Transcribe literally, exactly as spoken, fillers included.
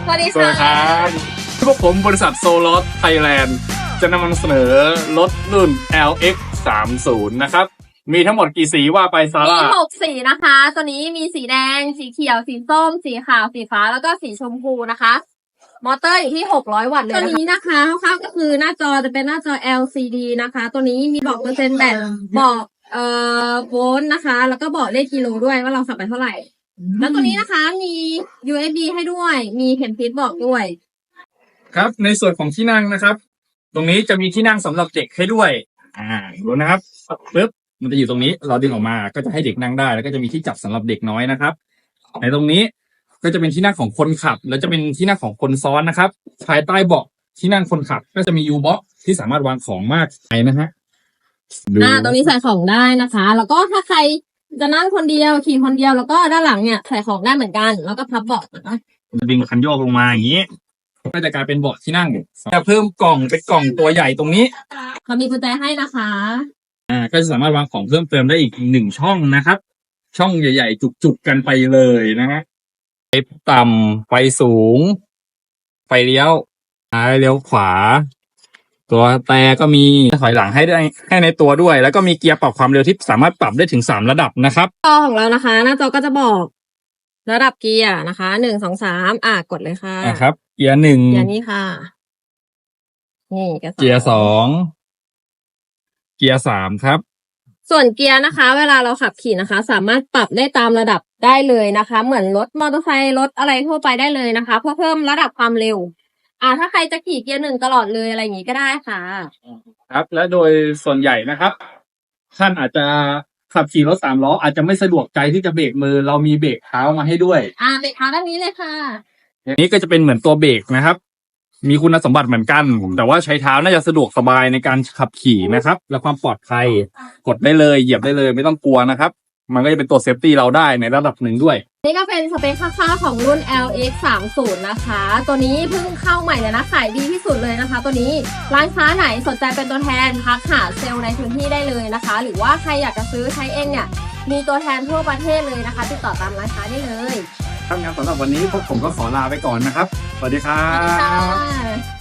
สวัสดีสวัสดีคค่ะรับพวกผมบริษัทโซลอสไทยแลนด์จะนำเสนอรถรุ่น แอล เอ็กซ์ สามสิบ นะครับ มีทั้งหมดกี่สีว่าไปซามีร่าหกสีนะคะ ตัวนี้มีสีแดง สีเขียว สีส้ม สีขาว สีฟ้า แล้วก็สีชมพูนะคะ มอเตอร์อยู่ที่หกร้อยวัตต์เลยตัวนี้นะคะคร่าวๆก็คือหน้าจอจะเป็นหน้าจอ แอล ซี ดี นะคะ ตัวนี้มีบอกเปอร์เซ็นต์แบตบอกเอ่อโวลต์นะคะ แล้วก็บอกเลขกิโลด้วยว่าเราขับไปเท่าไหร่ แล้วตัวนี้นะคะมี ยู เอส บี ให้ด้วย มีเข็มทิศบอกด้วยครับในส่วนของที่นั่งนะครับ ตรงนี้จะมีที่นั่งสำหรับเด็กให้ด้วย อ่าดูนะครับปึ๊บมันจะอยู่ตรงนี้เราดึงออกมาก็จะให้เด็กนั่งได้ แล้วก็จะมีที่จับสำหรับเด็กน้อยนะครับในตรงนี้ก็จะเป็นที่นั่งของคนขับ แล้วจะเป็นที่นั่งของคนซ้อนนะครับภายใต้เบาะที่นั่งคนขับ ก็จะมี U-box ที่สามารถวางของมากไปนะฮะดูอ่าตรงนี้ใส่ของได้นะคะ แล้วก็ถ้าใครจะนั่งคนเดียวขี่คนเดียวแล้วก็ด้านหลังเนี่ยใส่ของได้เหมือนกัน แล้วก็พับเบาะนะคะจะดึงคันโยกลงมาอย่างนี้ก็จะกลายเป็นเบาะที่นั่งจะเพิ่มกล่องเป็นกล่องตัวใหญ่ตรงนี้เขามีกุญแจให้นะคะอ่าก็จะสามารถวางของเพิ่มเติมได้อีกหนึ่งช่องนะครับ ช่องใหญ่ๆ จุกๆกันไปเลยนะฮะไฟต่ำไฟสูง ไฟเลี้ยวซ้ายเลี้ยวขวา ตัวแต่ก็มีถอยหลังให้ได้ให้ในตัวด้วย แล้วก็มีเกียร์ปรับความเร็วที่สามารถปรับได้ถึงสามระดับนะครับจอของเรานะคะ หน้าจอก็จะบอกระดับเกียร์นะคะหนึ่งสองสามอ่ะกดเลยค่ะอ่าครับ เกียร์หนึ่งเกียร์นี้ค่ะ นี่เกียร์สองเกียร์สองเกียร์สามครับส่วนเกียร์นะคะ เวลาเราขับขี่นะคะ สามารถปรับได้ตามระดับได้เลยนะคะ เหมือนรถมอเตอร์ไซค์รถอะไรทั่วไปได้เลยนะคะ เพื่อเพิ่มระดับความเร็ว อ่าถ้าใครจะขี่เกียร์หนึ่งตลอดเลยอะไรอย่างนี้ก็ได้ค่ะครับ และโดยส่วนใหญ่นะครับท่านอาจจะขับขี่รถสามล้ออาจจะไม่สะดวกใจที่จะเบรกมือ เรามีเบรกเท้ามาให้ด้วยอ่าเบรกเท้าด้านนี้เลยค่ะอันนี้ก็จะเป็นเหมือนตัวเบรกนะครับ มีคุณสมบัติเหมือนกัน แต่ว่าใช้เท้าน่าจะสะดวกสบายในการขับขี่นะครับ และความปลอดภัยกดได้เลยเหยียบได้เลยไม่ต้องกลัวนะครับ มันก็จะเป็นตัวเซฟตี้เราได้ในระดับหนึ่งด้วยนี่ก็เป็นสเปคคร่าวๆของรุ่น แอล เอ็กซ์ สามสิบ นะคะ ตัวนี้เพิ่งเข้าใหม่เลยนะขายดีที่สุดเลยนะคะ ตัวนี้ร้านค้าไหนสนใจเป็นตัวแทนทักหาเซลล์ในพื้นที่ได้เลยนะคะ หรือว่าใครอยากจะซื้อใช้เองเนี่ยมีตัวแทนทั่วประเทศเลยนะคะ ติดต่อตามร้านค้าได้เลยครับงั้นสำหรับวันนี้พวกผมก็ขอลาไปก่อนนะครับ สวัสดีครัสวัสดีค่บะ